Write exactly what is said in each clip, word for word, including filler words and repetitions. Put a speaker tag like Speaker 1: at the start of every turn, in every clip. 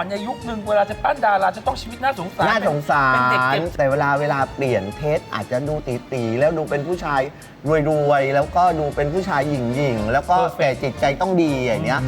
Speaker 1: อนในยุคหนึ่งเวลาจะปั้นดาราจะต้องชีวิตน่าสงสาร
Speaker 2: น่าสงสา
Speaker 1: เป็นเด็ก
Speaker 2: ร
Speaker 1: เก็บ
Speaker 2: แต่เวลาเวลาเปลี่ยนเทสอาจจะดูตีตีๆแล้วดูเป็นผู้ชายรวยๆแล้วก็ดูเป็นผู้ชายหยิ่งๆแล้วก็แต่จิตใจต้องดีอย่างเนี้ย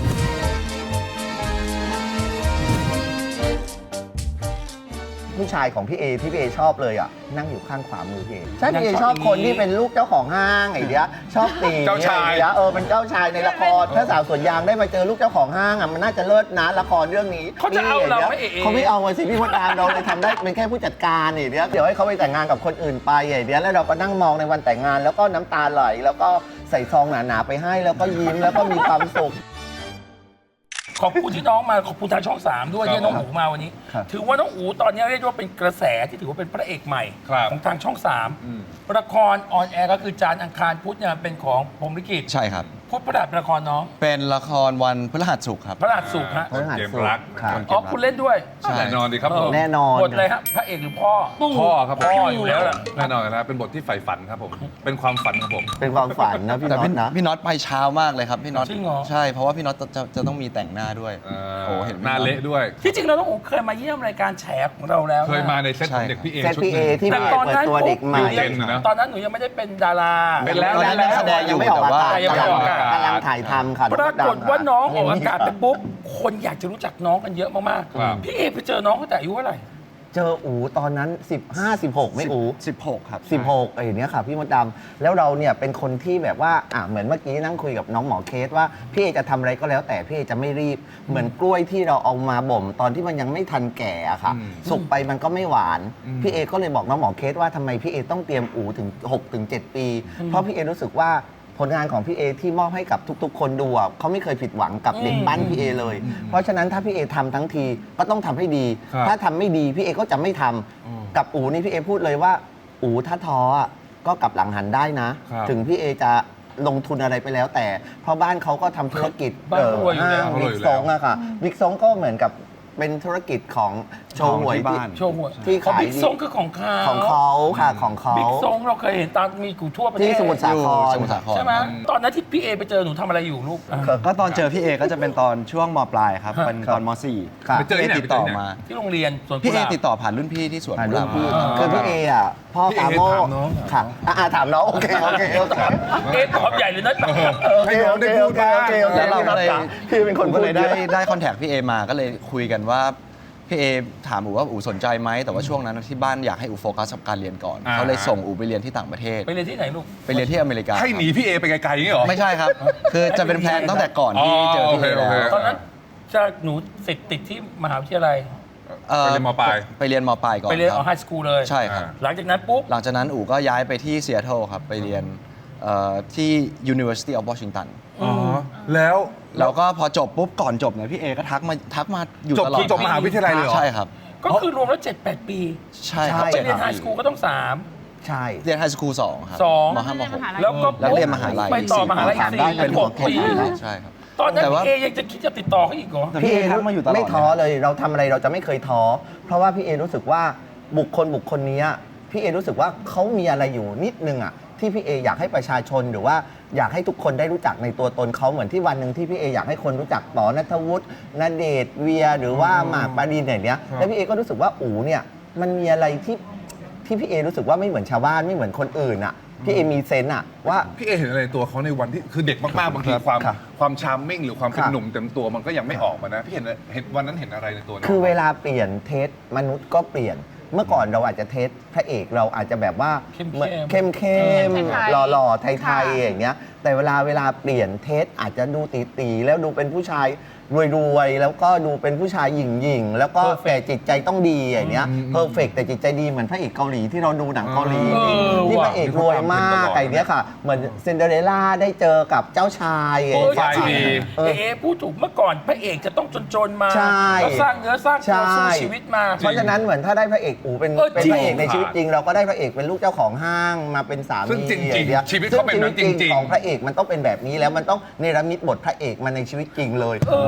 Speaker 2: ผู้ชายของพี่เอที่พี่เอชอบเลยอ่ะนั่งอยู่ข้างขวามือพี่เอใช่พี่เอชอบคนที่เป็นลูกเจ้าของห้างไอ้เนี้ยชอบตี
Speaker 3: เจ้าชาย
Speaker 2: ไอ้เนี้ยเออเป็นเจ้าชายในละครถ้าสาวสวนยางได้มาเจอลูกเจ้าของห้างอ่ะมันน่าจะเลิศนะละครเรื่องนี้
Speaker 1: เขาจะเอาเราไหมเอ
Speaker 2: เขาไม่เอาสิพี่มดดามเราเลยทำได้เป็นแค่ผู้จัดการไอ้เนี้ยเดี๋ยวให้เขาไปแต่งงานกับคนอื่นไปไอ้เนี้ยแล้วเราก็นั่งมองในวันแต่งงานแล้วก็น้ำตาไหลแล้วก็ใส่ซองหนาๆไปให้แล้วก็ยิ้มแล้วก็มีความสุข
Speaker 1: ขอบคุณที่น้องมาขอบคุณทางช่องสามด้วย
Speaker 3: ครับ
Speaker 1: ที่น้องอูมาวันนี้
Speaker 2: ครับ
Speaker 1: ถือว่าน้องอูตอนนี้เรียกว่าเป็นกระแสที่ถือว่าเป็นพระเอกใหม่
Speaker 3: ครับ
Speaker 1: ของทางช่องสาม
Speaker 3: อืม
Speaker 1: ละครออนแอร์ก็คือจานทร์อังคารพุธเนี่ยเป็นของพรหมลิขิต
Speaker 4: ใช่ครับ
Speaker 1: พุธพฤหัสเป็นละครน้อง
Speaker 4: เป็นละครวันพฤหัสศุกร์ครับ
Speaker 1: พระหัสสุกร์ฮะ
Speaker 2: พฤหัส
Speaker 3: เกม
Speaker 2: ศุกร์
Speaker 3: รัก
Speaker 2: ครับ
Speaker 1: อ๋อคุณเล่นด้วย
Speaker 4: ใช่
Speaker 3: แน่นอนดีครับผม
Speaker 2: แน่นอน
Speaker 1: บทเลยฮะพระเอกหรือพ่อ
Speaker 3: พ่อครับผม
Speaker 1: พ่ออยู่แล้วล่ะ
Speaker 3: แน่นอนนะเป็นบทที่ใฝ่ฝันครับผม เป็นความฝันของผม
Speaker 2: เป็นความฝันนะพี่
Speaker 4: แต่
Speaker 2: น็อ
Speaker 4: พี่
Speaker 2: ตนะ
Speaker 4: พี่น็อตไปเช้ามากเลยครับพี่น็อต
Speaker 1: จริงเหรอ
Speaker 4: ใช่เพราะว่าพี่น็อตจะจะจะต้องมีแต่งหน้าด้วย
Speaker 3: เอ่อ
Speaker 4: โอ้เห็น
Speaker 3: หน้าเละด้วย
Speaker 1: ที่จริงแล้วน้องอูเคยมาเยี่ยมรายการแฉของเราแล้วนะ
Speaker 3: เคยมาในเซตของเด็กพี่เอ
Speaker 2: เซต
Speaker 3: ชุด
Speaker 2: พี่
Speaker 3: ห
Speaker 2: เอ
Speaker 3: นึ่ง
Speaker 2: ที่
Speaker 1: แต่
Speaker 2: พี่
Speaker 1: ตอน
Speaker 2: เปิด
Speaker 1: นั้น
Speaker 2: ตัวเด็กใหม่
Speaker 3: เจนนะ
Speaker 1: ตอนนั้นหนูยังไม่ได้เป็นดารา
Speaker 3: เป็นแล้ว
Speaker 2: ตอนนั้นนักแสดงยังไม่ออกอากาศ
Speaker 1: ยังไม่ออกอากาศ
Speaker 2: กำลังถ่ายทำค่ะ
Speaker 1: ปรากฏว่าน้องออกอากาศไปปุ๊บ คนอยากจะรู้จักน้องกันเยอะมาก
Speaker 3: ครับ
Speaker 1: ๆ พี่เอไปเจอน้องตั้งแต่อายุเท่าไหร่
Speaker 2: เจออูตอนนั้น สิบห้า สิบหก ไม่อู
Speaker 4: สิบหกครับ
Speaker 2: สิบหกไอ้เนี้ยค่ะพี่มดดำแล้วเราเนี่ยเป็นคนที่แบบว่าอ่ะเหมือนเมื่อกี้นั่งคุยกับน้องหมอเคสว่าพี่เอจะทำอะไรก็แล้วแต่พี่เอจะไม่รีบ เหมือนกล้วยที่เราเอามาบ่มตอนที่มันยังไม่ทันแก่อะค่ะ
Speaker 3: อืม
Speaker 2: สุกไปมันก็ไม่หวาน
Speaker 3: อืม
Speaker 2: พี่เอก็เลยบอกน้องหมอเคสว่าทำไมพี่เอต้องเตรียมอูถึงหกถึงเจ็ดปี เพราะพี่เอรู้สึกว่าผลงานของพี่เอที่มอบให้กับทุกๆ คนดูอะเขาไม่เคยผิดหวังกับเด็กบ้านพี่เอเลย เพราะฉะนั้นถ้าพี่เอทำทั้งทีก็ต้องทำให้ดี
Speaker 3: ครับ
Speaker 2: ถ้าทำไม่ดีพี่เอก็จะไม่ทำกับอูนี่พี่เอพูดเลยว่า อูถ้าท้ออะก็กลับหลังหันได้นะ
Speaker 3: ครับ
Speaker 2: ถึงพี่เอจะลงทุนอะไรไปแล้วแต่ เพราะบ้านเขาก็ทำธุรกิจ
Speaker 1: บ้านเขารวยอยู่แล้ว
Speaker 2: บิ๊กซงอะค่ะบิ๊กซงก็เหมือนกับเป็นธุรกิจของโชว์หวย
Speaker 4: ของที่บ้าน
Speaker 1: โชว์หัว
Speaker 2: ที่
Speaker 1: เขา
Speaker 2: ขาย
Speaker 1: บิ๊กซงคือของเขา
Speaker 2: ของเขาค่ะของเขา
Speaker 1: บิ๊กซงเราเคยเห็นตามมีกูทั่วประเทศ
Speaker 2: ที่สมุทรสาคร
Speaker 4: สมุทรสาคร
Speaker 1: ใช่ไหมตอนนั้นที่พี่เอไปเจอหนูทำอะไรอยู่ลูก
Speaker 4: ก็ตอนเจอพี่เอก็จะเป็นตอนช่วงมปลายครับ เป็นตอนมสี่
Speaker 2: ครับ
Speaker 3: ไปเจอที่ไหน
Speaker 4: ติดต่อ
Speaker 3: ไปเจอที่ไหน
Speaker 4: มา
Speaker 1: ที่โรงเรียนสวน
Speaker 4: พี่
Speaker 1: กุ
Speaker 4: เอ
Speaker 1: หลาบ
Speaker 4: ติดต่อผ่านรุ่นพี่ที่สวน
Speaker 2: ผ่าน
Speaker 4: กุห
Speaker 2: รุ่
Speaker 4: ลาน บ
Speaker 2: พี่
Speaker 1: อ่า
Speaker 2: คือพี่เออ่ะพ่อ
Speaker 3: พี่เอ
Speaker 2: ปาโม
Speaker 3: ถามน้อง
Speaker 2: ค่ะอ่ะอ่ะถามน้องโอเคโอเคโอเค
Speaker 1: เอ๊ะตอบใหญ่เลยนะ
Speaker 2: โอเคโอเคโอเคโอเคโอเค
Speaker 4: แล้วเราก็เลย
Speaker 2: พี่เป็นคน
Speaker 4: ผม
Speaker 2: พู
Speaker 4: ก็
Speaker 2: ด
Speaker 4: เลยได้
Speaker 2: เยอะ
Speaker 4: ได้คอนแทคพี่เอมาก็เลยคุยกันว่าพี่เอถามอูว่าอูสนใจไหมแต่ว่าช่วงนั้นที่บ้านอยากให้อูโฟกัสกับการเรียนก่อน
Speaker 3: อ่า
Speaker 4: เขาเลยส่งอูไปเรียนที่ต่างประเทศ
Speaker 1: ไปเรียนที่ไหนลูก
Speaker 4: ไปเรียนที่อเมริกา
Speaker 3: ให้หนีพี่เอไปไกลๆอย่างนี้เหรอ
Speaker 4: ไม่ใช่ครับ คือจะเป็นแพลนตั้งแต่ก่อนที่เจอพี่เอ
Speaker 3: อ๋อโอเคโอเค
Speaker 4: แล้ว
Speaker 1: ตอนนั้นจะหนูติดติดที่มหาวิทยาลัย
Speaker 4: เอ่อ
Speaker 3: ไปเรียนมปลาย
Speaker 4: ไปเรียนมปลายก่อน
Speaker 1: ไปเรียน
Speaker 4: ค
Speaker 1: เอา
Speaker 4: บ
Speaker 1: ไฮสคูลเลย
Speaker 4: ใช่ครับ
Speaker 1: หลังจากนั้นปุ๊บ
Speaker 4: หลังจากนั้นอู๋ก็ย้ายไปที่ซีแอตเทิลครับ ไปเรียนเอ่อที่ University of Washington
Speaker 3: อ๋อแล้ว
Speaker 4: แล้วก็พอจบปุ๊บก่อนจบเนี่ยพี่เอก็ทักมาทักมาอยู่
Speaker 3: จบ
Speaker 4: ตลอด
Speaker 3: คือจบมหาวิทยาลัยเลยเหรอ
Speaker 4: ใช่ครับ
Speaker 1: ก็คือรวมแล้วเจ็ดแปดปี
Speaker 4: ใช่ค
Speaker 2: ใช่
Speaker 4: รับ
Speaker 1: ไป
Speaker 4: เจ็ด
Speaker 1: เรียนไฮ
Speaker 4: ปี
Speaker 1: สคูลก็ต้องสาม
Speaker 2: ใช่
Speaker 4: เรียนไฮสคูลสองครับ
Speaker 1: สอง
Speaker 4: มห้ามหก
Speaker 1: แล้วก็
Speaker 4: แล้วเรียนมหาลัย
Speaker 1: ไปต่อมหาลัยอีกสี่
Speaker 2: ได้
Speaker 1: เป็นหกปี
Speaker 4: ใช่ครับ
Speaker 1: ตอนนั้น
Speaker 4: แต่ว่า
Speaker 1: พี่เอยังจะคิดจะติดต่อเขาอีกเหรอ
Speaker 4: แต่พี่เอทักมาอยู่ตลอด
Speaker 2: ไม่ท้อเลยเราทำอะไรเราจะไม่เคยท้อเพราะว่าพี่เอรู้สึกว่าบุคคลบุคคลนี้พี่เอรู้สึกว่าเขามีอะไรอยู่นิดนึงอ่ะที่พี่เออยากให้ประชาชนหรือว่าอยากให้ทุกคนได้รู้จักในตัวตนเขาเหมือนที่วันหนึ่งที่พี่เออยากให้คนรู้จักป๋อณัฐวุฒิณเดชน์เวียหรือว่าหมากปารีนอย่างเนี้ยแล้วพี่เอก็รู้สึกว่าอู๋เนี่ยมันมีอะไรที่ที่พี่เอรู้สึกว่าไม่เหมือนชาวบ้านไม่เหมือนคนอื่นอ่ะพี่เอมีเซนส์อ่ะว่า
Speaker 3: พี่เอเห็นอะไรในตัวเขาในวันที่คือเด็กมากๆบางทีความ
Speaker 2: ครับ
Speaker 3: ความชาร์มมิ่งหรือความเป็น
Speaker 2: ครับ
Speaker 3: หนุ่มเต็มตัวมันก็ยังไม่ออกมานะพี่เห็นเห็นวันนั้นเห็นอะไรในตัวน้ง
Speaker 2: คือเวลาเปลี่ยนเทสมนุษย์ก็เปลี่ยนเมื่อก่อนเราอาจจะเทสพระเอกเราอาจจะแบบว่า
Speaker 1: เข้มๆ
Speaker 2: เหมือนเข้มเข้ม
Speaker 5: ไทยๆ
Speaker 2: หล่อๆไท
Speaker 5: ค่ะ
Speaker 2: ยๆอย่างเงี้ยแต่เวลาเวลาเปลี่ยนเทสอาจจะดูตีตีๆแล้วดูเป็นผู้ชายรวยๆแล้วก็ดูเป็นผู้ชายหยิ่งๆแล้วก็แต่จิตใจต้องดีอย่างเงี้ยเพอร์เฟกแต่จิตใจดีเหมือนพระเอกเกาหลีที่เราดูหนังเกาหลี
Speaker 1: เออ
Speaker 2: ที่พ
Speaker 1: ว่ะ
Speaker 2: ระเอกรวยมากไอ้เนี้ยค่ะเหมือนซินเดอเรลล่าได้เจอกับเจ้าชาย
Speaker 3: โปรไฟล์ดี
Speaker 1: เอเอพูดถูกเมื่อก่อนพระเอกจะต้องจนๆมา
Speaker 2: ใช่
Speaker 1: แล้วสร้างเนื้อสร้างตัวสู้ชีวิตมา
Speaker 2: เพราะฉะนั้นเหมือนถ้าได้พระเอกอูเป็น
Speaker 1: เออ
Speaker 2: เป็น
Speaker 1: จริง
Speaker 2: พระเอกในชีวิตจริง เราก็ได้พระเอกเป็นลูกเจ้าของห้างมาเป็นสามี
Speaker 3: ซึ่งจริงๆ
Speaker 2: อย่างเงี้ย
Speaker 3: ชีวิตเขาเป็นแบบนั้น
Speaker 2: ซึ่
Speaker 3: จริงๆ
Speaker 2: ของพระเอกมันต้องเป็นแบบนี้แล้วมันต้องเนรมิตบทพระเอกมาในชีวิตจริงเลย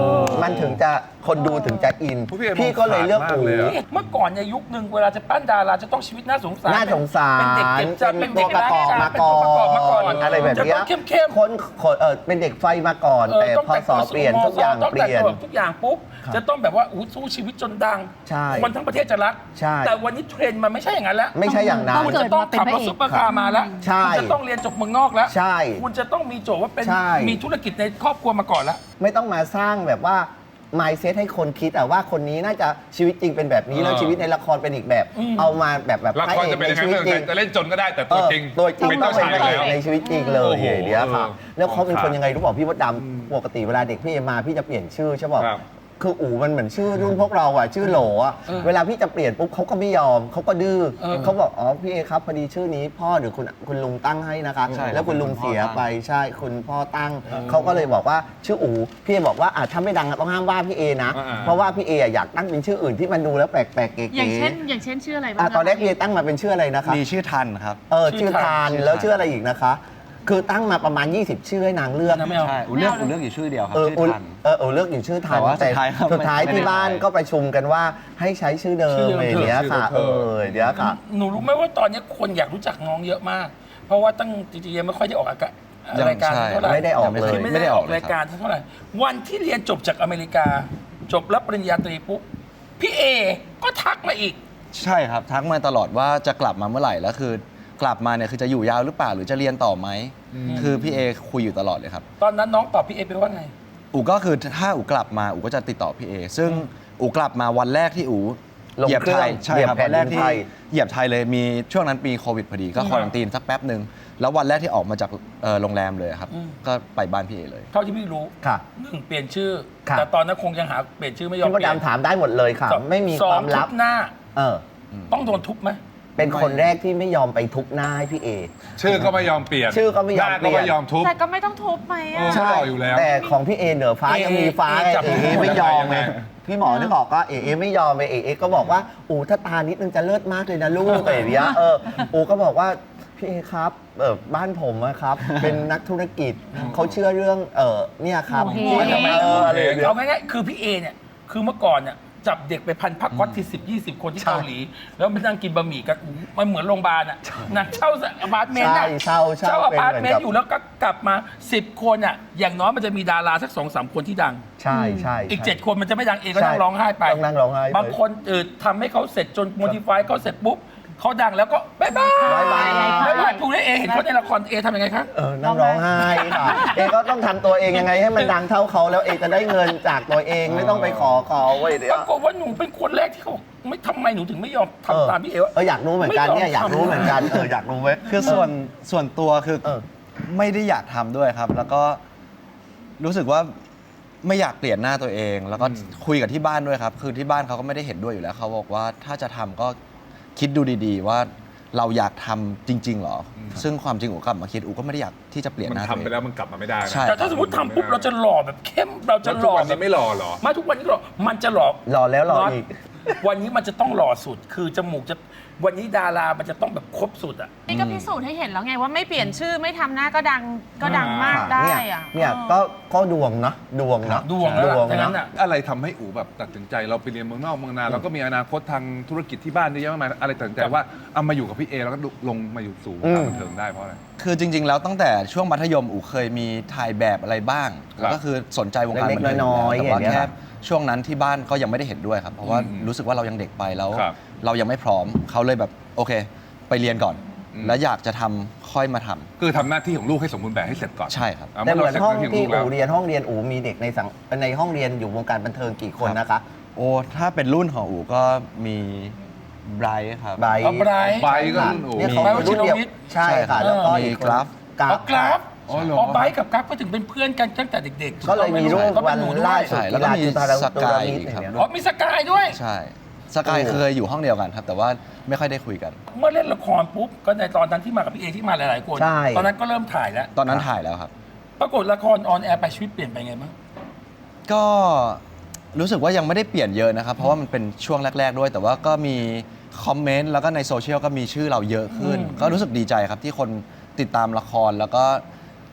Speaker 2: มันถึงจะคนดูถึงจะอิน
Speaker 3: พี่เอ
Speaker 2: พี่ก็เลยเลือก
Speaker 3: มองขาด
Speaker 2: อู
Speaker 3: มากเลยอะ
Speaker 1: เมื่อก่อนในยุคหนึ่งเวลาจะปั้นดาราจะต้องชีวิตน่าสงสาร
Speaker 2: น่าสงสาร
Speaker 1: เป็นเด็กเก็บจะ
Speaker 2: เป็
Speaker 1: เป็น
Speaker 2: น
Speaker 1: เด็
Speaker 2: ตัว
Speaker 1: ก
Speaker 2: ประกอบ
Speaker 1: ร้ย
Speaker 2: มา
Speaker 1: เป็น
Speaker 2: ก่อ
Speaker 1: ตัวประกอบมาก่อน
Speaker 2: นอะไรแบบเนี้ย
Speaker 1: จะต้องเข้มๆ
Speaker 2: คนคนเออเป็นเด็กไฟมาก่อน
Speaker 1: เออ
Speaker 2: แต่
Speaker 1: ต้อง
Speaker 2: พอ
Speaker 1: แต่ง
Speaker 2: สอ
Speaker 1: ตัว
Speaker 2: เปลี่ยนทุกอย่าง
Speaker 1: ต้อง
Speaker 2: เป
Speaker 1: แต่ง
Speaker 2: ลี่ยน
Speaker 1: ตัวทุกอย่างปุ๊บ
Speaker 2: ครับ
Speaker 1: จะต้องแบบว่าอู้สู้ชีวิตจนดัง
Speaker 2: ใช่
Speaker 1: คนทั้งประเทศจะรัก
Speaker 2: ใช่
Speaker 1: แต่วันนี้เทรนด์มันไม่ใช่อย่างนั้นแล้ว
Speaker 2: ไม่ใช่อย่างนั้น
Speaker 1: คุณจะต้องขับรถซุปเปอร์คาร์มาแล้ว
Speaker 2: ใช่
Speaker 1: คุณจะต้องเรียนจบเมืองนอกแล้ว
Speaker 2: ใช่
Speaker 1: คุณจะต้องมีโจทย์ว่าเป็น
Speaker 2: ใช่
Speaker 1: มีธุรกิจในครอบครัวมาก่อนแล้ว
Speaker 2: ไม่ต้องมาสร้างแบบว่า mindset ให้คนคิดอะว่าคนนี้น่าจะชีวิตจริงเป็นแบบนี้
Speaker 3: เออ
Speaker 2: แล้วชีวิตในละครเป็นอีกแบบ
Speaker 1: อืม
Speaker 2: เอามาแบบแบบ
Speaker 3: ละ
Speaker 2: พระ
Speaker 3: คร
Speaker 2: เอก
Speaker 3: จะเป็น
Speaker 2: ใน
Speaker 3: ยังไง
Speaker 2: ชีวิต
Speaker 3: ไม่
Speaker 2: จริ
Speaker 3: เป็น
Speaker 2: ง
Speaker 3: จะเล่นจนก็ได้แต่ตัวจริง
Speaker 2: เออตัวจริง
Speaker 3: เป็น
Speaker 2: ต้อ
Speaker 3: เจ้าง
Speaker 2: เป็น
Speaker 3: ชาย
Speaker 2: พระ
Speaker 3: แล้ว
Speaker 2: เอกในชีวิตจริงเลย
Speaker 3: โอ้โห
Speaker 2: อย่างเดียวค่ะ
Speaker 3: เออ
Speaker 2: แล้วเขาเป็น
Speaker 3: ค
Speaker 2: ค
Speaker 3: รั
Speaker 2: น
Speaker 3: บ
Speaker 2: ยังไงรู้บอกพี่มดดำปกติเวลาเด็กพี่มาพี่จะเปลี่ยนชื่อใช่ป่ะ
Speaker 3: ครับ
Speaker 2: คืออู๋มันเหมือนชื่อรุ่นพวกเราอ่ะชื่อโหลอ่ะ
Speaker 1: เออ
Speaker 2: เวลาพี่จะเปลี่ยนปุ๊บเขาก็ไม่ยอมเขาก็ดื้อ
Speaker 1: เออ
Speaker 2: เขาบอกอ๋อพี่เอครับพอดีชื่อนี้พ่อหรือคุณคุณลุงตั้งให้นะคะ
Speaker 4: ใช่
Speaker 2: แล้วคุณลุงเสีย
Speaker 4: คุณพ่อตั้ง
Speaker 2: ไปใช่คุณพ่อตั้งเขาก็เลยบอกว่าชื่ออู๋พี่เอบอกว่าอ่ะถ้าไม่ดังอะต้องห้ามว่าพี่เอนะ
Speaker 3: อ่าๆ
Speaker 2: เพราะว่าพี่เออะอยากตั้งเป็นชื่ออื่นที่มันดูแล้วแปลกๆเก๋ๆ
Speaker 5: อย่างเช่น อย่างเช่นชื่ออะไรบ้าง
Speaker 2: อ่ะ
Speaker 5: คะ
Speaker 2: ตอนแรกพี่เอตั้งมาเป็นชื่ออะไรนะคะ
Speaker 4: มีชื่อทันครับ
Speaker 2: เออ
Speaker 1: ชื่
Speaker 2: ชื่
Speaker 1: อ
Speaker 2: อ
Speaker 1: ทา
Speaker 2: ทาน น
Speaker 4: ชื่อ
Speaker 2: แล้ว
Speaker 4: ทาน
Speaker 2: ชื่ออะไรอีกนะคะ คือตั้งมาประมาณ ยี่สิบ ชื่อให้นางเลือก
Speaker 1: นะไม่เอา
Speaker 4: ใช่อูเลือกอูเลือกอยู่ชื่อเดียวครับ
Speaker 2: เออ
Speaker 4: ชื่อ
Speaker 2: อุ
Speaker 4: ทัน
Speaker 2: เออเออเลือกอยู่ชื่อทัน
Speaker 4: แต่ว่าสุดท้ายก็
Speaker 2: สุดท้าย
Speaker 4: ไม่
Speaker 2: ที่บ้าน
Speaker 4: ไม่ได้
Speaker 2: ก็ประชุมกันว่าให้ใช้ชื่อเดิ
Speaker 1: ชื่
Speaker 2: ม
Speaker 1: อเดิม
Speaker 2: อะไรอย่างเงี้ยค่ะ
Speaker 3: ชื่
Speaker 2: เอ
Speaker 3: อเดิม
Speaker 2: อเดี๋ยวค่ะ
Speaker 1: หนูรู้ไหมว่าตอนนี้คนอยากรู้จักน้องเยอะมาก เพราะว่าตั้งจริงๆยังไม่ค่อยได้ออกอากาศ
Speaker 4: ยัง
Speaker 1: รายการ
Speaker 4: ใช่
Speaker 1: เท่าไหร่
Speaker 2: ไม่ได้ออกเลย
Speaker 1: คือไม่ได้ออกรายการเท่าไหร่วันที่เรียนจบจากอเมริกา จบรับปริญญาตรีปุ๊บพี่เอก็ทักมาอีก
Speaker 4: ใช่ครับทักมาตลอดว่าจะกลับมาเมื่อไหร่แล้วคือกลับมาเนี่ยคือจะอยู่ยาวหรือเปล่าหรือจะเรียนต่อไหมคือพี่เอคุยอยู่ตลอดเลยครับ
Speaker 1: ตอนนั้นน้องตอบพี่เอไปว่าไง
Speaker 4: อูก็คือถ้าอูกลับมาอูก็จะติดต่อพี่เอซึ่งอูกลับมาวันแรกที่อู
Speaker 2: ลง
Speaker 4: เหยียบ
Speaker 2: เครื่
Speaker 4: ไท
Speaker 2: อง
Speaker 4: ยใช่
Speaker 2: เหยียบ
Speaker 4: ครับ
Speaker 2: แผ่
Speaker 4: วัน นแรก
Speaker 2: ดิน
Speaker 4: ที่
Speaker 2: ไทย
Speaker 4: เหยียบไทยเลยมีช่วงนั้นปีโควิดพอดีก็
Speaker 1: อืม
Speaker 4: ควอรันตีนสักแป๊บหนึ่งแล้ววันแรกที่ออกมาจากเอ่อโรงแรมเลยครับ
Speaker 1: อืม
Speaker 4: ก็ไปบ้านพี่เอเลย
Speaker 1: เท่าที่พี่รู้
Speaker 2: ค่ะ
Speaker 1: หนึ่งเปลี่ยนชื่อ
Speaker 2: ค่ะ
Speaker 1: แต่ตอนนั้นคงยังหาเปลี่ยนชื่อไม่ยอม
Speaker 2: พี่มด
Speaker 1: เปลี่ยน
Speaker 2: ดำถามได้หมดเลยค่ะ
Speaker 1: สอง
Speaker 2: ไม่มี
Speaker 1: ส
Speaker 2: ค
Speaker 1: อง
Speaker 2: วามลับ
Speaker 1: ทุบหน้า
Speaker 2: เออ
Speaker 1: ต้องโดนทุบไหม
Speaker 2: เป็นคนแรกที่ไม่ยอมไปทุบหน้าให้พี่เอ
Speaker 3: ชื่อก็ไม่ยอมเปลี่ยน
Speaker 2: ชื่อก็ไม่ยอม
Speaker 3: หน้า
Speaker 2: เปลี่
Speaker 3: ก็
Speaker 2: ยน
Speaker 3: ไม่ยอมทุบ
Speaker 5: แต่ก็ไม่ต้องทุบไหม
Speaker 3: เอ
Speaker 5: อ่ะ
Speaker 3: อ เขาหล่ออยู่แล้ว
Speaker 2: แต่ของพี่เอเหนือฟ้า
Speaker 1: เอ
Speaker 2: ยังมีฟ้า
Speaker 1: เอ
Speaker 2: ไง
Speaker 1: จับ
Speaker 2: เอเอไม่ยอมไง
Speaker 3: ยังไง
Speaker 2: พี่หมอนึกออกก็เอเอไม่ยอมไปเอเอก็บอกว่าอูถ้าตานิดนึงจะเลิศมากเลยนะลูกอะไรอย่างเงี้ยเอออูก็บอกว่าพี่เอครับเออบ้านผมอะครับ เป็นนักธุรกิจเขาเชื่อเรื่องเออเนี่ยครับ
Speaker 5: โอเค
Speaker 2: เอออะไรอย่างเงี้ย
Speaker 1: เอาง่ายๆคือพี่เอเนี่ยคือเมื่อก่อนเนี่ยจับเด็กไปพันพักวัดที่สิบยี่สิบคนที่
Speaker 2: ใช่
Speaker 1: เกาหลี แล้วไปนั่งกินบะหมี่กันอู้มันเหมือนโรงพยาบาลอ่ะนั่งเช่าอพาร์ตเมนต์
Speaker 2: ใช่
Speaker 1: อะ
Speaker 2: เช่าเช่า
Speaker 1: อพาร์ต
Speaker 2: เป็น
Speaker 1: เม
Speaker 2: เหมือนกับ
Speaker 1: นต์อยู่แล้วก็กลับมาสิบคนอ่ะอย่างน้อยมันจะมีดาราสักสองสามคนที่ดัง
Speaker 2: ใช่ใช่
Speaker 1: อีก
Speaker 2: ใช่
Speaker 1: เจ็ดคนมันจะไม่ดังเองก็
Speaker 2: ใช่
Speaker 1: นั่งร้องไห้ไป
Speaker 2: ต้องนั่งร้องไห้ไป
Speaker 1: บางคนเออทำให้เขาเสร็จจนโมดิฟายเขาเสร็จปุ๊บเขาดังแล้วก็บ๊ายบาย
Speaker 2: บ๊ายบาย
Speaker 1: บ๊ายบายถูกได้เอเห็นเขาในละครเอทำยังไงคะ
Speaker 2: เออนั่งร้องไห้ค่ะ เอก็ต้องทำตัวเองยังไงให้มันดังเท่าเขาแล้วเอจะได้เงินจากตัวเองไม่ต้องไปขอเขาเว้ยเดี๋ย
Speaker 1: ป
Speaker 2: ว
Speaker 1: รากฏว่าหนูเป็นคนแรกที่เขาบอกไม่ทำไมหนูถึงไม่ยอม
Speaker 2: เออ
Speaker 1: ทำตามพี่เอวะ
Speaker 2: เอออยากรู้เหมือนกันเนี่ยอยากรู้เหมือนกันเอออยากรู้เว้ย
Speaker 4: คือส่วนส่วนตัวคือ
Speaker 2: เออ
Speaker 4: ไม่ได้อยากทำด้วยครับ แล้วก็รู้สึกว่าไม่อยากเปลี่ยนหน้าตัวเอง แล้วก็คุยกับที่บ้านด้วยครับ คือที่บ้านเขาก็ไม่ได้เห็นด้วยอยู่แล้วเขาบอกว่าถ้าจะทำก็คิดดูดีๆ ว่าเราอยากทำจริง ๆ เหรอ ซึ่งความจริงอูกลับมาคิดอูก็ไม่ได้อยากที่จะเปลี่ยน
Speaker 3: มัน
Speaker 4: หน้าตัว
Speaker 3: ทำ
Speaker 4: เอ
Speaker 3: ไป
Speaker 4: ง
Speaker 3: แล้วมันกลับมาไม่ได้นะ
Speaker 4: ใช่
Speaker 1: แต่ถ้าสมมติทำปุ๊บเราจะหล่อแบบเข้มเราจะ
Speaker 3: แล้ว
Speaker 1: ห
Speaker 3: ทุก
Speaker 1: ล่อ
Speaker 3: วัน
Speaker 1: แบ
Speaker 3: นี้
Speaker 1: บ
Speaker 3: ไม่รอเหรอ
Speaker 1: มาทุกวันนี้ก็หล่อมันจะหล่อ
Speaker 2: รอแล้วรอ
Speaker 1: น็ต
Speaker 2: อีก
Speaker 1: วันนี้มันจะต้องหล่อสุด คือจมูกจะวันนี้ดารามันจะต้องแบบครบสุดอ่ะ
Speaker 5: นี่ก็พิสูจน์ให้เห็นแล้วไงว่าไม่เปลี่ยนชื่อไม่ทำหน้าก็ดังก็ดังมาก
Speaker 2: ค่ะ
Speaker 5: ได้
Speaker 2: เนี่ย
Speaker 5: อ่ะ
Speaker 2: เนี่ย
Speaker 5: ออ
Speaker 2: ก็ก็ดวงนะดวงนะ
Speaker 1: ดวงแล้ว
Speaker 2: ดวง
Speaker 1: ล่ะดังนั้
Speaker 2: นะ
Speaker 1: นอ่ะ
Speaker 3: อะไรทำให้อู๋แบบตัดสินใจเราไปเรียนเมืองนอกเมืองนาเราก็มีอนาคตทางธุรกิจที่บ้านเยอะแยะมากมายอะไรตัดสินใจว่าเอามาอยู่กับพี่เอแล้วก็ลงมาอยู่สู่วงการบันเทิงได้เพราะอะไร
Speaker 4: คือจริง ๆ แล้วตั้งแต่ช่วงมัธยมอูเคยมีถ่ายแบบอะไรบ้าง
Speaker 3: ครับ
Speaker 4: แล้วก็คือสนใจวงการ
Speaker 2: เล็กๆ
Speaker 4: บันเทิง
Speaker 2: น้อยๆ
Speaker 4: แต่ว่า
Speaker 2: อย่างเงี้ย
Speaker 4: แค่ช่วงนั้นที่บ้านก็ยังไม่ได้เห็นด้วยครับ เพราะว่า
Speaker 3: อืม
Speaker 4: รู้สึกว่าเรายังเด็กไปแล้ว
Speaker 3: ครับ
Speaker 4: เรายังไม่พร้อมเขาเลยแบบโอเค ไปเรียนก่อน
Speaker 3: อืม
Speaker 4: แล้วอยากจะทำค่อยมาทำ
Speaker 3: คือทำหน้าที่ของลูกให้สมบูรณ์แบบให้เสร็จก่อน
Speaker 4: ใช่ครับ
Speaker 3: า
Speaker 2: แต่เหมือน
Speaker 3: ราสร็จ
Speaker 2: ห้อง
Speaker 3: น้า
Speaker 2: ที่
Speaker 3: ขลูก
Speaker 2: อูเรียนห้องเรียนอูมีเด็กในสังในห้องเรียนอยู่วงการบันเทิงกี่คนนะคะ
Speaker 4: โอ้ถ้าเป็นรุ่นของอูก็มีไบรท์ครับ
Speaker 2: ไบรท์
Speaker 1: เอาไบรท์
Speaker 3: ไบร์ทก็รุ่นอู๋
Speaker 2: เนี่ยเขาเป็นรุ่นเดียวใช่ค่ะแล้วก็
Speaker 4: มี
Speaker 2: อีกคน
Speaker 4: กราฟ
Speaker 2: กรา
Speaker 1: เอา
Speaker 2: ฟ
Speaker 1: กราฟ
Speaker 3: อ๋อเหรอ
Speaker 1: อ๋อไบร์ทกับกราฟก็ถึงเป็นเพื่อนกันตั้งแต่เด็กๆ
Speaker 2: ก็เลยมีรูป
Speaker 1: ก็เป็
Speaker 2: วัน
Speaker 1: หนูด้
Speaker 2: ล่า
Speaker 1: วย
Speaker 2: สุด
Speaker 4: ใช่แล้วก็มี
Speaker 2: จุฬาจุฬา
Speaker 4: สกาย
Speaker 2: จุฬมิต
Speaker 4: อีกครับ
Speaker 2: เนี่ย
Speaker 1: อ๋อมีสกายด้วย
Speaker 4: ใช่สกายเคยอยู่ห้องเดียวกันครับ แต่ว่าไม่ค่อยได้คุยกัน
Speaker 1: เมื่อเล่นละครปุ๊บก็ในตอนนั้นที่มากับพี่เอที่มาหลายๆคน
Speaker 2: ใช่
Speaker 1: ตอนนั้นก็เริ่มถ่ายแล้ว
Speaker 4: ตอนนั้นถ่ายแล้วครับ
Speaker 1: ปรากฏละครออนแอร์ไปชีวิตเปลี่ยนไปไงบ้าง
Speaker 4: ก็รู้สึกว่ายังไม่ได้เปลี่ยนเยอะนะครับ เพราะว่ามันเป็นช่วงแรก ๆ ด้วย แต่ว่าก็มีคอมเมนต์แล้วก็ในโซเชียลก็มีชื่อเราเยอะขึ้น
Speaker 1: อืม
Speaker 4: ก็รู้สึกดีใจครับที่คนติดตามละครแล้วก็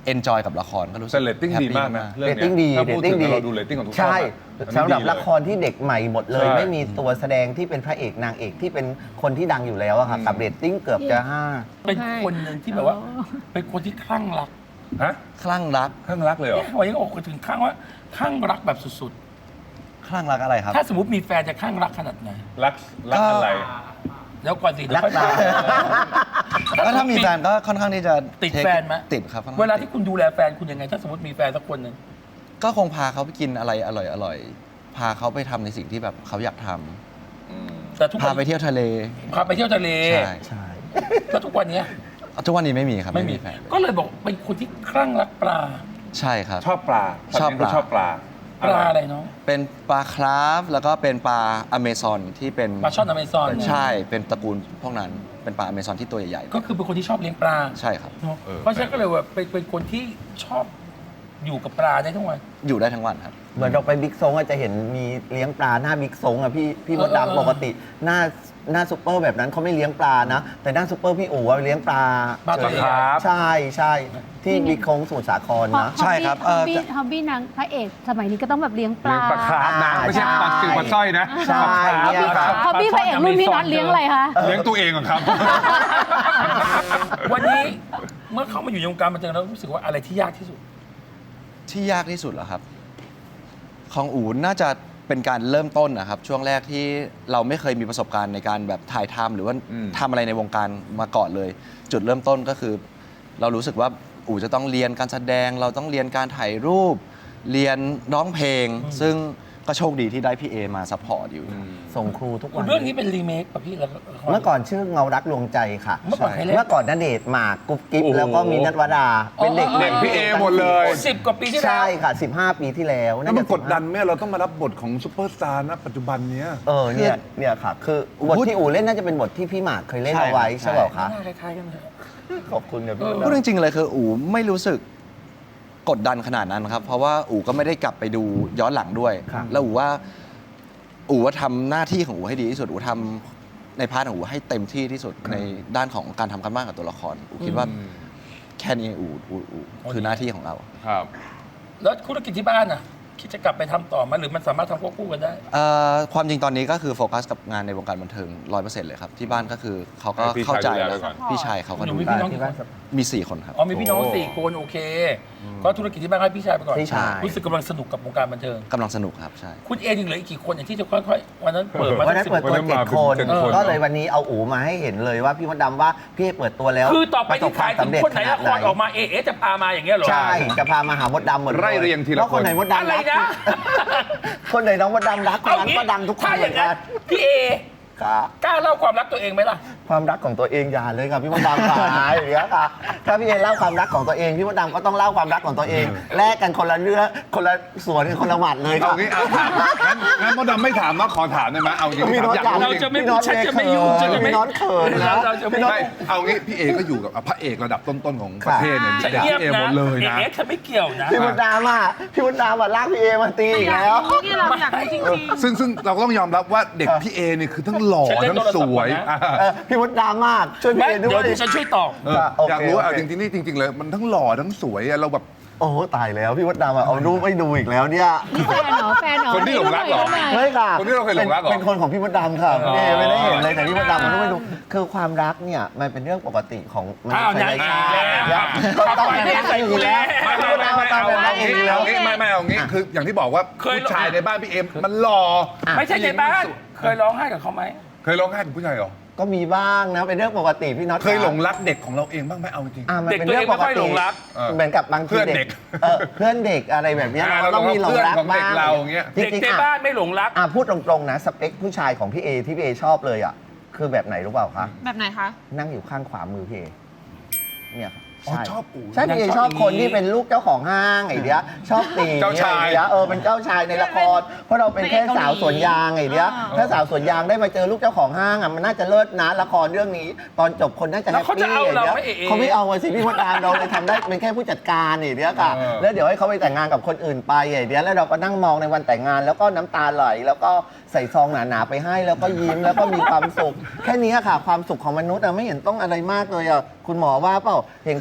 Speaker 4: เอนจอยกับละครก็รู้สึก
Speaker 3: แต่เรตติ้งดีมากนะ
Speaker 4: แฮปปี้
Speaker 3: เรื่อง
Speaker 2: เรตติ้งดี
Speaker 3: ถ้าพูด
Speaker 2: เรตติ้
Speaker 3: ถึ
Speaker 2: ง
Speaker 3: ง
Speaker 2: ดี
Speaker 3: เราดูเรตติ้งของทุกช่อง
Speaker 2: ใช่
Speaker 3: อะ
Speaker 2: สำหรับ
Speaker 3: อันนี้ดีเลย
Speaker 2: ละครที่เด็กใหม่หมดเลย
Speaker 3: ใช่
Speaker 2: ไม่มีตัวแสดงที่เป็นพระเอกนางเอกที่เป็นคนที่ดังอยู่แล้วอะค่ะ
Speaker 3: อืม
Speaker 2: กับเรตติ้งเกือบจะห้า
Speaker 1: เป็นคนหนึ่งที่แบบว่า เป็นคนที่คลั่งรัก
Speaker 3: ฮะ
Speaker 4: คลั่งรัก
Speaker 3: ข้างรักเลยเหรอ
Speaker 1: วันนี้อกถึงคลั่งว่าคลั่งรักแบบสุด
Speaker 4: คลั่งรักอะไรครับ
Speaker 1: ๆ ถ้าสมมติมีแฟนจะคลั่งรักขนาดไหน
Speaker 3: รักรักอะไร
Speaker 1: แล้วก่อนสิเดี๋ยวค่อย
Speaker 2: รั
Speaker 1: มาก
Speaker 4: ก็ถ้ามีแฟนก็ค่อนข้างที่จะ
Speaker 1: ติด
Speaker 4: take-
Speaker 1: แฟนไหม
Speaker 4: ติดครับค่อนข้ง
Speaker 1: เวลาที่คุณดูแลแฟนคุณยังไง ถ้าสมมติมีแฟนสักคนหนึ่ง
Speaker 4: ก็คงพาเขาไปกินอะไรอร่อยอร่อยพาเขาไปทำในสิ่งที่แบบเขาอยากทำ
Speaker 1: แต่ทุก
Speaker 4: พา
Speaker 1: วัน
Speaker 4: ไปเที่ยวทะเล
Speaker 1: พาไปเที่ยวทะเล
Speaker 4: ใช่
Speaker 2: ใช่
Speaker 1: แล้วทุกวันเนี้ย
Speaker 4: ทุกวันนี้ไม่มีครับ
Speaker 1: ไม่มี
Speaker 4: แฟน
Speaker 1: ก็เลยบอกเป็นคนที่คลั่งรักปลา
Speaker 4: ใช่ครับ
Speaker 3: ชอบปลา
Speaker 4: ชอบปลา
Speaker 3: ชอบปลา
Speaker 1: ปลาอะไรเนาะ
Speaker 4: เป็นปลาคราฟแล้วก็เป็นปลาอเมซอนที่เป็น
Speaker 1: ปลาช่อนอเมซอน
Speaker 4: ใช่เป็นตระกูลพวกนั้นเป็นปลาอเมซอนที่ตัวใหญ่
Speaker 1: ก็คือเป็นคนที่ชอบเลี้ยงปลา
Speaker 4: ๆใช่ครับ
Speaker 1: เนอะเพราะฉะนั้นก็เลยว่าเป็นเป็นคนที่ชอบอยู่กับปลาได้ทั้งวัน
Speaker 4: อยู่ได้ทั้งวันครับ
Speaker 2: เหมือนเราไปบิ๊กซงอะจะเห็นมีเลี้ยงปลาหน้าบิ๊กซงอะพี่พี่มด
Speaker 1: เออเออ
Speaker 2: ดำปกติหน้าหน้าซูเปอร์แบบนั้นเขาไม่เลี้ยงปลานะ แต่หน้าซูเปอร์พี่อู๋อะเลี้ยงปลา
Speaker 1: ปลาตัว
Speaker 2: เฉย
Speaker 3: ครับ
Speaker 2: ใช่ใช่ที่บิ๊กซงสมุทรสาครนะ
Speaker 4: ใช่ครับ
Speaker 6: ฮ
Speaker 4: เอ่
Speaker 6: อบ
Speaker 4: อ
Speaker 6: บี้
Speaker 4: จะ
Speaker 6: ฮอบบี้นางพระเอกสมัยนี้ก็ต้องแบบเลี้ยงป
Speaker 3: เลี้
Speaker 6: ลาย
Speaker 3: งปลาคาร์ฟนะ
Speaker 2: อ่า
Speaker 3: ไม่ใช่ปลา
Speaker 2: ใช่
Speaker 3: ซิวปลาสร้อยนะ
Speaker 2: ใช่เนี่ยครับ
Speaker 6: ฮอบบี้พระเอกรุ่นพี่น็อตเลี้ยงอะไรคะ
Speaker 3: เลี้ยงตัวเองเหรอครับ
Speaker 1: วันนี้เมื่อเข้ามาอยู่ในวงการบันเทิงแล้วรู้สึกว่าอะไรที่ยากที่สุด
Speaker 4: ที่ยากที่สุดเหรอครับ ของอู๋น่าจะเป็นการเริ่มต้นนะครับ ช่วงแรกที่เราไม่เคยมีประสบการณ์ในการแบบถ่ายทำหรือว่า
Speaker 3: อืม
Speaker 4: ทำอะไรในวงการมาก่อนเลย จุดเริ่มต้นก็คือ เรารู้สึกว่าอู๋จะต้องเรียนการแสดง เราต้องเรียนการถ่ายรูป เรียนร้องเพลง ซึ่งก็โชคดีที่ได้พี่เอมาซัพพอร์ตอยู่
Speaker 2: ส่งครูทุกวัน
Speaker 1: เรื่องนี้เป็นรีเมคป่ะพี่แล้ว
Speaker 2: เมื่อก่อนชื่อเงารักลวงใจค่ะ
Speaker 1: เมื่อก่อนใครเล่น
Speaker 2: เมื่อก่อนณเดชน์หมากกุ๊บกิ๊บ
Speaker 3: โอ้โห
Speaker 2: แล้วก็มีนัทวดา เป็นเด็ก
Speaker 3: เด็กพี่เอหมดเลย
Speaker 1: สิบกว่าปีที่แล้ว
Speaker 2: ใช่ค่ะ สิบห้า ปีที่แล้ว
Speaker 3: แล้วมัน
Speaker 2: จะ
Speaker 3: กดดันไหมเราต้องมารับบทของซูเปอร์สตาร์นะปัจจุบันเนี้ย
Speaker 2: เออเนี่ยเนี่ยค่ะ คือบทที่อู๋เล่นน่าจะเป็นบทที่พี่หมากเคยเล่นเอาไว้
Speaker 4: ใช่
Speaker 2: ใช่เปล่าคะ
Speaker 1: หน้าคล้ายๆกันเลย
Speaker 2: ขอบคุณเนี่ยพี่
Speaker 1: เออ
Speaker 4: พูดจริงๆเลยคืออู๋ไม่รู้สึกกดดันขนาดนั้นครับ เพราะว่าอู๋ก็ไม่ได้กลับไปดูย้อนหลังด้วย
Speaker 2: ครับ
Speaker 4: แล้วอู๋ว่าอู๋ว่าทำหน้าที่ของอู๋ให้ดีที่สุดอู๋ทำในพาร์ทของอู๋ให้เต็มที่ที่สุดในด้านของการทำกันบ้านกับตัวละครอู๋คิดว่าแค่นี้อู๋อู๋อู๋คือหน้าที่ของเรา
Speaker 3: ครับ
Speaker 1: แล้วธุรกิจที่บ้านอ่ะ คิดจะกลับไปทำต่อไหมหรือมันสามารถทำควบคู่กันได้
Speaker 4: เอ่อความจริงตอนนี้ก็คือโฟกัสกับงานในวงการบันเทิงร้อยเปอร์เซ็นต์เลยครับ ที่บ้านก็คือเขาก็
Speaker 3: ให้พี่ชาย
Speaker 4: เข้าใจ
Speaker 3: ดูแล
Speaker 4: แล้ว
Speaker 3: ไว้ก่อน
Speaker 4: พี่ชายเขาก็
Speaker 1: หนู
Speaker 4: ดู
Speaker 1: มี
Speaker 4: แล
Speaker 1: พี่น้อง
Speaker 2: ที่บ้าน
Speaker 4: มีสี่คนครับ
Speaker 1: อ๋อมีพี่น้อง
Speaker 3: โอ้
Speaker 1: สี่คนโอเค ก็ธุรกิจที่บ้านให้พี่ชายไปก่อน
Speaker 2: พี่ชาย
Speaker 1: รู้สึกกำลังสนุกกับวงการบันเทิง
Speaker 4: กำลังสนุกครับใช่
Speaker 1: คุณเอยังเหลืออีกกี่คนอย่างที่จะค่อยๆวันนั้นเปิดมา
Speaker 2: วันนั้น
Speaker 1: สิบ
Speaker 2: เปิดตัว
Speaker 3: วันนั้น
Speaker 2: เจ็ด
Speaker 3: มาเป็น
Speaker 2: คน
Speaker 3: เจ็ดคน
Speaker 2: ก็เลยวันนี้เอาอู๋มาให้เห็นเลยว่าพี่มดดำว่าพี่เปิดตัวแล้ว
Speaker 1: คือต่อไปที่ถ่าย
Speaker 2: ประสบ
Speaker 1: ถึง
Speaker 2: ควม
Speaker 1: คนไหนละครออกมาเอเอจะพามาอย่างเงี้ยเหรอ
Speaker 2: ใช่จะพามาหามดดำหมดล
Speaker 3: ไล่เรียงทีละ
Speaker 2: แล้วคน
Speaker 3: คน
Speaker 2: ไหนมดดำ
Speaker 1: อะไร
Speaker 2: รัก
Speaker 1: นะ
Speaker 2: คนไหนน้องมดดำรักคน
Speaker 1: เอา
Speaker 2: นั้น
Speaker 1: งี้
Speaker 2: ก็ดังทุกคน
Speaker 1: ถ้า
Speaker 2: เห
Speaker 1: อ
Speaker 2: มื
Speaker 1: ย่า
Speaker 2: อง น
Speaker 1: นั้
Speaker 2: กัน น
Speaker 1: พี่เอ
Speaker 2: ครับ
Speaker 1: กล้าเล่าความรักตัวเองไหมล่ะ
Speaker 2: ความรักของตัวเองอย่าเลยครับพี่มดดำค่ะอย่างเงี้ยค่ะถ้าพี่เอเล่าความรักของตัวเองพี่มดดำก็ต้องเล่าความรักของตัวเองแลกกันคนละเรื่องคนละสวนกันคนละหมัดเลยค
Speaker 3: เอา
Speaker 2: รับ
Speaker 3: งี้เอาถามงั้นงั้นมดดำไม่ถามนะขอถามได้ไหมเอาจริง
Speaker 2: พี่
Speaker 3: ถาม
Speaker 2: น้อง
Speaker 3: อยาก
Speaker 2: อยาก
Speaker 3: รู้
Speaker 1: เรา
Speaker 3: จริ
Speaker 1: จะ
Speaker 3: ง
Speaker 1: ไม่พูดฉันจะไม่ยุ่งฉันจะไม่
Speaker 2: พี่น้องเขินนะ
Speaker 1: เราจะไม่
Speaker 2: พี่น้อง
Speaker 3: ไม่เอางี้พี่เอก็อยู่กับพระเอกระดับต้นๆของประเทศเนี่ย
Speaker 1: ฉัน
Speaker 3: เด็ก
Speaker 1: เงียบ
Speaker 3: พี่เอหม
Speaker 1: นะ
Speaker 3: ดเลยนะ
Speaker 1: เอเอฉันไม่เกี่ยวนะ
Speaker 2: พี่มดดำอ่ะพี่มดดำอ่ะลากพี่เอมาตีอีก
Speaker 5: อยาก
Speaker 2: แล้ว
Speaker 5: รู้นี่เราอยากรู้จริง
Speaker 3: ซึ่งซึ่งเราก็ต้องยอมรับว่าเด็กพี่เอเนี่ยคือทั้งหล่อ
Speaker 1: ฉันเล่น
Speaker 3: ทั้งสวย
Speaker 1: โทรศัพท์ก่อนนะ
Speaker 3: อ่ะ
Speaker 2: เออพี่มดดำมากช่วยพี่
Speaker 1: ไม่
Speaker 2: เอด้
Speaker 1: เดี๋ยว
Speaker 2: วย
Speaker 1: ดิฉันช่วยตอบ
Speaker 3: เออ
Speaker 2: โอเค
Speaker 3: อยากรู้ว่า
Speaker 2: โอ
Speaker 3: เอา
Speaker 2: เค
Speaker 3: จริงๆนี่จริงๆเลยมันทั้งหล่อทั้งสวยอะเราแบบ
Speaker 2: โอ้โหตายแล้วพี่มดดำอ่ะเอารูปไม่ดูอีกแล้วเนี่ย
Speaker 6: นี่แฟนเหรอแฟนเหรอ
Speaker 3: คนที่หลงรักเหรอ
Speaker 2: เฮ้ยค่ะ
Speaker 3: คนที่เราเคยหลงรักเหรอ
Speaker 2: เป็นคนของพี่มดดำค่ะ
Speaker 3: อ๋อ
Speaker 2: พี่เอไม่ได้เห็นเลยแต่พี่มดดำมันต้องไปดูคือความรักเนี่ยมันเป็นเรื่องปกติของมนุ
Speaker 1: อ้าว
Speaker 2: ษ
Speaker 1: นาย
Speaker 2: ย
Speaker 1: อี
Speaker 2: ชาก ติ
Speaker 1: แล้ว
Speaker 2: เนี่ยก็ต้องเป็นรักอยู่แล้ว
Speaker 3: ไม่ไม่ไม่ไม่เอาอย่างนี้เอาอย่างนี้ไม่ไม่เอาอย่างนี้คืออย่างที่บอกว่า
Speaker 1: เคย
Speaker 3: ผู้ชายในบ้านพี่เอ็มมันหล่อ
Speaker 1: ไม่ใช่ในบ้าน เคยร้องไห้กับเขาไหม
Speaker 3: เคยร้องไห้กับผู้ชายเหรอ
Speaker 2: ก็มีบ้างนะเป็นเรื่องปกติพี่น็อต
Speaker 3: เคยหลงรักเด็กของเราเองบ้างไหมเอาจริง
Speaker 2: อ่ะมันเป็นเรื่องปก
Speaker 1: เด็กตัวเองไม่ค่อยห
Speaker 2: ติ
Speaker 1: ลงรัก
Speaker 3: เออ
Speaker 2: เหมือนกับบางที
Speaker 3: เพื่อนเด็ก
Speaker 2: เออเพื่อนเด็กอะไรแบบเนี้ย
Speaker 3: อ่า
Speaker 2: เราต้องมีหลงรัก
Speaker 3: เราต้องมีเพื่อนของเด็
Speaker 2: บ้าง
Speaker 3: กเราอย่างเงี้ย
Speaker 2: จ
Speaker 1: เด็ก
Speaker 2: ริง
Speaker 1: ใน
Speaker 2: ๆอ่ะ
Speaker 1: บ้านไม่หลงรัก
Speaker 2: อ่ะพูดตรงๆนะสเปคผู้ชายของพี่เอที่พี่เอชอบเลยอ่ะคือแบบไหนรู้เปล่าคะ
Speaker 5: ๆ แบบไหนคะ
Speaker 2: นั่งอยู่ข้างขวามือพี่เอเนี่ยครับ
Speaker 3: อ๋อ
Speaker 2: ใช่
Speaker 3: ชอบอู๋
Speaker 2: ใช่พี่เอชอบคนที่เป็นลูกเจ้าของห้างไอ้เดียชอบตี
Speaker 3: เจ้าชาย
Speaker 2: ไอ้เดียเออเป็นเจ้าชายในละคร เพราะเราเป็นแค่สาวสวนยางไอ้เดีย
Speaker 5: อ่า
Speaker 2: ถ้าสาวสวนยางได้มาเจอลูกเจ้าของห้างอ่ะมันน่าจะเลิศนะละครเรื่องนี้ ตอนจบคนน่าจะ
Speaker 1: แล้
Speaker 2: แฮ
Speaker 1: ว
Speaker 2: ป
Speaker 1: เขาจะ
Speaker 2: ปี้
Speaker 1: เอา
Speaker 2: ไอ้
Speaker 1: เรา
Speaker 2: เดีย
Speaker 1: ไหมเอ๋
Speaker 2: เขาไม่เอาอะสิพี่มดดามเราเลยทำได้เป็นแค่ผู้จัดการไอ้เดียค่ะ
Speaker 3: เออ
Speaker 2: แล้วเดี๋ยวให้เขาไปแต่งงานกับคนอื่นไปไอ้เดียแล้วเราก็นั่งมองในวันแต่งงาน แล้วก็น้ำตาไหลแล้วก็ใส่ซองหนาๆไปให้แล้วก็ยิ้มแล้วก็มีความสุข แค่นี้ค่ะความสุขของมนุษย์อะไม่เห็นต้องอะไรมากเลยอะคุณหมอว่าเปล่าเห็นคน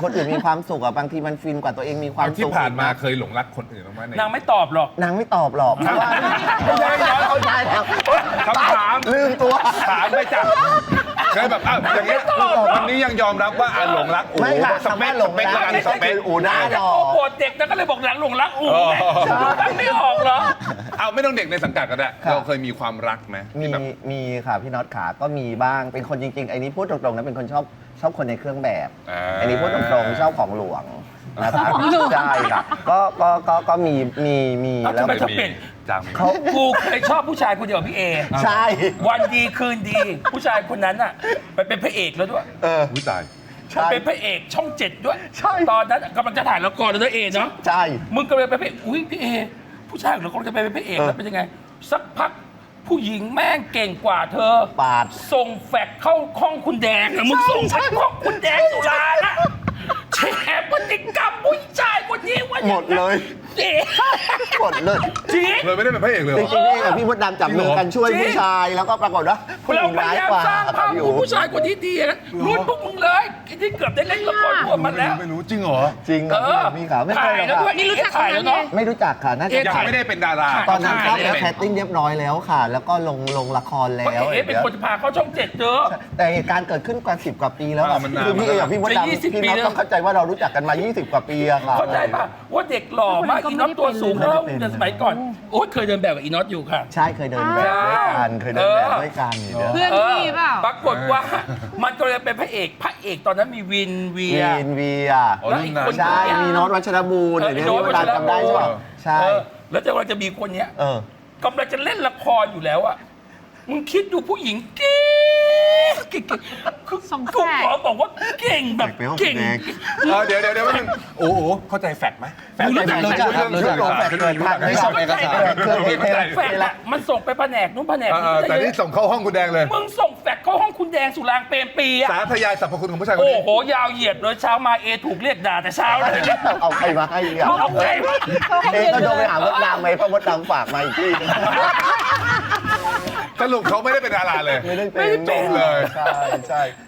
Speaker 2: คนอื่นมีความสุขอะบางทีมันฟินกว่าตัวเองมีความ
Speaker 3: ที่
Speaker 2: สุข
Speaker 3: ผ่านมา
Speaker 2: อีกะ
Speaker 3: เคยหลงรักคนอื่นบ้างไหม
Speaker 1: นางไม่ตอบหรอก
Speaker 2: นางไม่ตอบหรอกเพราะว่าไม่ใช่เขาใช่แล้ว
Speaker 3: คำถาม
Speaker 2: ลืมตัว
Speaker 3: ถามไปจ้ะเคยแบบอ้าวอย่างเงี้ยวันนี้ยังยอมรับว่าอ่ะหลงรักโอ้โห
Speaker 2: ไม่ค่ะ
Speaker 3: สเปค
Speaker 2: คำว่าหลง
Speaker 3: สเปค
Speaker 2: รัก
Speaker 3: แล้วกัน
Speaker 2: ไม่
Speaker 3: ส
Speaker 2: ใช่
Speaker 3: เปค
Speaker 2: คืออูได้หรอ
Speaker 1: โอ้
Speaker 2: ก
Speaker 1: โหเด็กนะก็เลยบอกหลังหลงรักอูไง
Speaker 3: อ๋อ
Speaker 1: ดูไม่ออกเหรอ
Speaker 3: เอาไม่ต้องเด็กในสังกัดก็ได้
Speaker 2: ครับ
Speaker 3: เราเคยมีความรักไหม
Speaker 2: มี
Speaker 3: ที่แบบ
Speaker 2: มีค่ะพี่น็อตขาก็มีบ้างเป็นคนจริงๆไอ้นี้พูดตรงๆนะเป็นคนชอบชอบคนในเครื่องแบบ
Speaker 3: อ่า
Speaker 2: ไอ้นี้พูดตรงๆชอบของหลวงนะครับ
Speaker 6: ของหลวง
Speaker 2: ใช่ค่ะก็ก็ก็ก็มีมีมี
Speaker 1: เอา
Speaker 2: แล้ว
Speaker 1: ทำไม
Speaker 3: ไม่
Speaker 1: จะ
Speaker 3: มี
Speaker 1: เป็น
Speaker 3: จัง
Speaker 2: เขา
Speaker 1: กูเคยชอบผู้ชายคนเดียวกับพี่เอ
Speaker 2: ใช่
Speaker 1: วันดีคืนดี ผู้ชายคนนั้นอ่ะไปเป็นพระเอกแล้วด้วย
Speaker 2: เออ
Speaker 3: อุ้ยตาย
Speaker 2: ใช่
Speaker 1: เป็นพระเอกช่องเจ็ดด้วย
Speaker 2: ใช่
Speaker 1: ตอนนั้นกำลังจะถ่ายละครแล้วนะเอเนาะ
Speaker 2: ใช่
Speaker 1: มึงก็เลยไปนพระเอกอุ้ยพี่เอ ผู้ชายของเรากำลังจะไปเป็นพระเอก
Speaker 2: เออ
Speaker 1: แล้วเป็นยังไง สักพักผู้หญิงแม่งเก่งกว่าเธอ
Speaker 2: ปาด
Speaker 1: ส่งแฟกเข้าห้องคุณแดงอะมึงส่งไปห้องคุณแดงสุรานะแฉพฤติกรรมผู้ชายคนนี้ว่าอย่าง
Speaker 2: หมดเลย
Speaker 1: เอ๊ะ
Speaker 2: หมดเลย
Speaker 1: จริง
Speaker 3: เลยไม่ได้เป็นพระเอกเลยเห
Speaker 2: จ
Speaker 3: ร
Speaker 2: ริ
Speaker 3: อง
Speaker 2: ๆนี่กับพี่มดดำจับมือกันช่วย
Speaker 1: จริง
Speaker 2: ผู้ชายแล้วก็ปรากฏว่าผู้ห
Speaker 1: เรา
Speaker 2: ญิง
Speaker 1: พ
Speaker 2: ร้าย
Speaker 1: ยายาม
Speaker 2: กว่า
Speaker 1: สร้างภาพ
Speaker 2: อ
Speaker 1: ขอยู่ งผู้ชายคนที่ดีนะรุ่นพวกมึงเลยที่เกือบได้เล่นละครร่วมมาแล้ว
Speaker 3: ไม่รู้จริงเหรอ
Speaker 2: จริงครับ
Speaker 1: เออ
Speaker 2: พี่ขาวไม่เค
Speaker 1: ถ่าย ย
Speaker 2: หรอก
Speaker 1: แล้ว
Speaker 2: ค่ะ
Speaker 1: ด้วยนี่รู้จักถ่ายแล้วเนาะ
Speaker 2: ไม่รู้จักค่ะน่าจะ
Speaker 1: เอ๊ะ
Speaker 3: ยัง
Speaker 2: ถ่าย
Speaker 3: ไม่ได้เป็นดารา
Speaker 2: ตอนนั้น
Speaker 1: ถ่
Speaker 2: ก็
Speaker 1: ย
Speaker 2: แล้ว
Speaker 1: ได้
Speaker 2: แคสติ้งเรียบร้อยแล้วค่ะ แล้วก็ลงลงละคร
Speaker 1: เพ
Speaker 2: แล้
Speaker 1: ราะ
Speaker 2: ว
Speaker 1: เอ๋เป็นคนพาเข้าช่องเจ็ดเจอ
Speaker 2: แต่เหตุการณ์เกิดขึ้นกว่าสิบกว่าปีแล้วอะ
Speaker 3: อ่ามันนาน
Speaker 2: คือพี่เอกับพี่มด
Speaker 1: จะ
Speaker 2: ดำ
Speaker 1: ยี่สิบ
Speaker 2: พี่
Speaker 1: ปี
Speaker 2: น็อต
Speaker 1: แล้ว
Speaker 2: ต้องเข้าใจว่าเรารู้จักกันมา ยี่สิบ กว่าปีอะค่ะ
Speaker 1: เข้าใจป่ะว่าเด็กหล่อมากอีน็อตตัวสูงแล้วแต่สมัยก่อนโอ้ยเคยเดินแบบกับอีน็อตอยู่ค่ะ
Speaker 2: ใช่เคยเดินแบบด้วยกันเคยเดินแบบด้วยกันอยู่เด้อ
Speaker 5: เพื่อนพี่เปล่า
Speaker 1: ปรากฏว่า มันก็เลยเป็นพระเอกพระเอกตอนนั้นมีวินเวีย
Speaker 2: วีนเวีย
Speaker 3: อ๋อ
Speaker 1: แล้ว
Speaker 3: รุ่
Speaker 1: อี
Speaker 3: น
Speaker 1: ก
Speaker 3: นั้น
Speaker 1: คน
Speaker 2: ใช่มีโน้ตวัชรบูรณ์
Speaker 1: เออ
Speaker 2: เดี๋ยว
Speaker 1: ไอ้
Speaker 2: นี้
Speaker 1: โน้ต
Speaker 2: เวลาจำได้ใช่ป่ะใช่
Speaker 1: เออแล้วจะกำลังจะมีคนเนี้ย
Speaker 2: เออ
Speaker 1: กำลังจะเล่นละครอยู่แล้วอะมึงคิดดูผู้หญิงเก่งเก่งคือ
Speaker 5: สองแฝด
Speaker 1: คุณหมอบอกว่าเก่งแบบ
Speaker 2: แปลว่า
Speaker 1: เก่ง
Speaker 2: แสดง
Speaker 3: เออเดี๋ยวเดี๋ยวเดี๋ยวนึงโอ้โหเข้าใจแฟกต์ไหมแฟกต์
Speaker 1: รู้จัก
Speaker 2: รู้จักครับรู้จักครับ
Speaker 3: แฟกต์
Speaker 2: เกิดทาง
Speaker 3: ไม่
Speaker 2: ไม่
Speaker 3: ช
Speaker 2: ช
Speaker 3: อ
Speaker 2: อ
Speaker 3: บบ เอกสาร
Speaker 2: เครื่องเท
Speaker 1: แฟกอะมันส่งไปแผนกนู้นแผนก
Speaker 3: เออเออแต่นี่ส่งเข้าห้องคุณแดงเลย
Speaker 1: มึงส่งแฟกเข้าห้องคุณแดงสุรางเปรมปรีอะ
Speaker 3: สาธยายสรรพคุณของผู้ชายคน
Speaker 1: โอ้
Speaker 3: นี้
Speaker 1: โหยาวเหยียดเลยเช้ามาเอถูกเรียกด่าแต่เช้าเลย
Speaker 2: เอาใครมาให้อ่ะ
Speaker 1: มึงเอาใครมา
Speaker 2: เอ๊ะก็โทรไปหามดดำไหมเพราะมดดำฝากมาอีกที่
Speaker 3: สรุปเขาไม่ได้เป็นดาราเลย
Speaker 2: ไม่ได้เป็น
Speaker 3: จบเลย
Speaker 2: ใช่ใช่